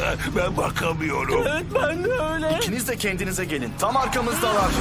Ben bakamıyorum. Evet, ben de öyle. İkiniz de kendinize gelin. Tam arkamızdalar.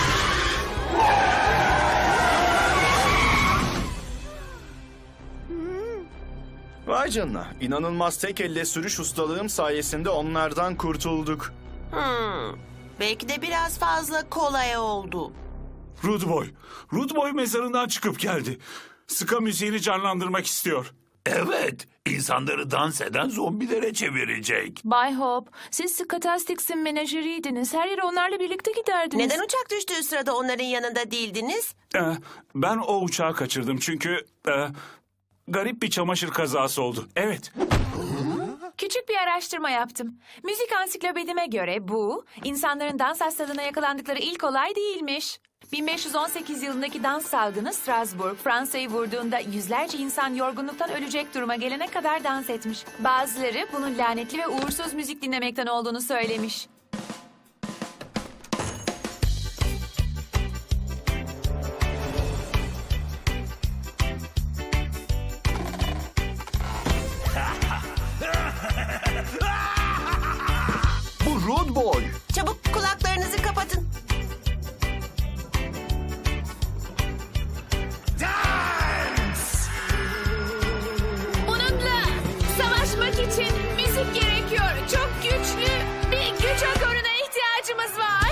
Vay canına. İnanılmaz tek elle sürüş ustalığım sayesinde onlardan kurtulduk. Belki de biraz fazla kolay oldu. Rude Boy mezarından çıkıp geldi. Ska müziğini canlandırmak istiyor. Evet, insanları dans eden zombilere çevirecek. Bay Hope, siz Scatastics'in menajeriydiniz. Her yere onlarla birlikte giderdiniz. Neden uçak düştüğü sırada onların yanında değildiniz? Ben o uçağı kaçırdım çünkü garip bir çamaşır kazası oldu. Evet. Küçük bir araştırma yaptım. Müzik ansiklopedime göre bu, insanların dans hastalığına yakalandıkları ilk olay değilmiş. 1518 yılındaki dans salgını Strasbourg, Fransa'yı vurduğunda yüzlerce insan yorgunluktan ölecek duruma gelene kadar dans etmiş. Bazıları bunun lanetli ve uğursuz müzik dinlemekten olduğunu söylemiş. Bu Rude Boy. Çabuk kulaklarınızı kapatın. Bununla savaşmak için müzik gerekiyor. Çok güçlü bir güç akoruna ihtiyacımız var.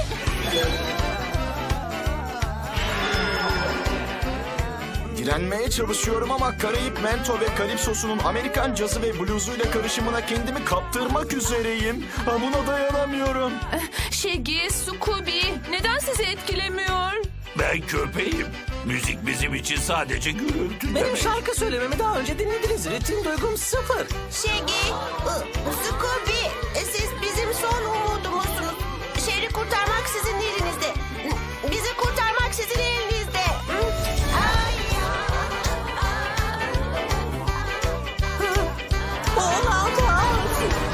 Direnmeye çalışıyorum ama Karayip Mento ve Kalipso'sunun Amerikan cazı ve bluzuyla karışımına kendimi kaptırmak üzereyim. Buna dayanamıyorum. Shaggy, Scooby, neden sizi etkilemiyor? Ben köpeğim. Müzik bizim için sadece gürültü Benim demek. şarkı söylememi daha önce dinlediniz. Ritim duygum sıfır. Shaggy, Scooby, siz bizim son umudumuzsunuz. Şehri kurtarmak sizin elinizde. Bizi kurtarmak sizin elinizde. Olamaz.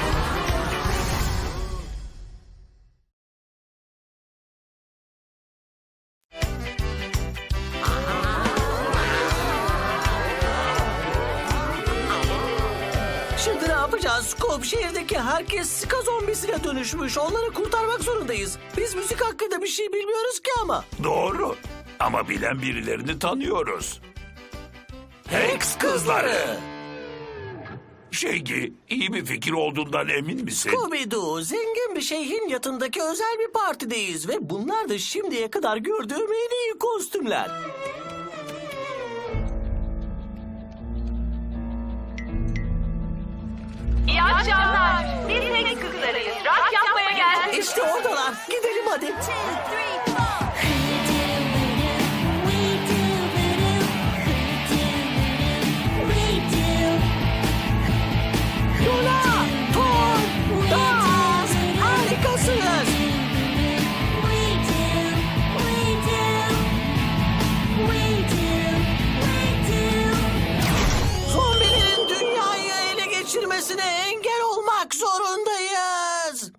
Şimdi ne yapacağız? Scoop, şehirdeki herkes ska zombisine dönüşmüş. Onları kurtarmak zorundayız. Biz müzik hakkında bir şey bilmiyoruz ki ama. Doğru. Ama bilen birilerini tanıyoruz. Hex kızları. Shaggy, iyi bir fikir olduğundan emin misin? Scooby-Doo, zengin bir şeyhin yatındaki özel bir partideyiz. Ve bunlar da şimdiye kadar gördüğüm en iyi kostümler. İyi akşamlar. Biz Hex kızlarıyız. Rock yapmaya geldik. İşte oradalar. Gidelim hadi. Luna, Thor, dans, harikasınız. Zombilerin dünyayı ele geçirmesine engel olmak zorundayız.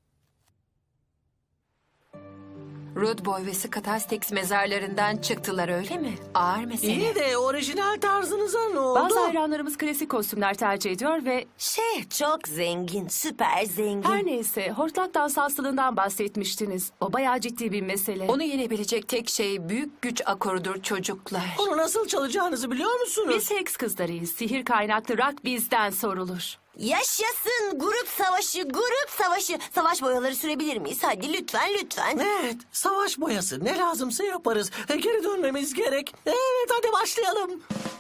Rude Boy ve Scatastics mezarlarından çıktılar öyle mi? Ağır mesele. İyi de orijinal tarzınıza ne oldu? Bazı hayranlarımız klasik kostümler tercih ediyor ve Çok zengin, süper zengin. her neyse hortlak dans hastalığından bahsetmiştiniz. O bayağı ciddi bir mesele. Onu yenebilecek tek şey büyük güç akorudur çocuklar. Onu nasıl çalacağınızı biliyor musunuz? Biz Hex kızlarıyız. Sihir kaynaklı rock bizden sorulur. Yaşasın grup savaşı, grup savaşı. Savaş boyaları sürebilir miyiz? Hadi lütfen, lütfen. Evet, savaş boyası. Ne lazımsa yaparız. Geri dönmemiz gerek. Evet, hadi başlayalım.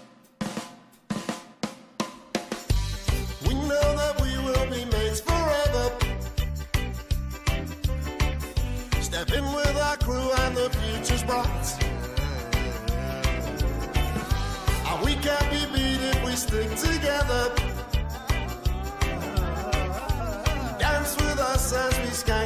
We know that we will be mates forever. Step in with our crew and the future's bright. And we can't be beat if we stick together. Dance with us as we scan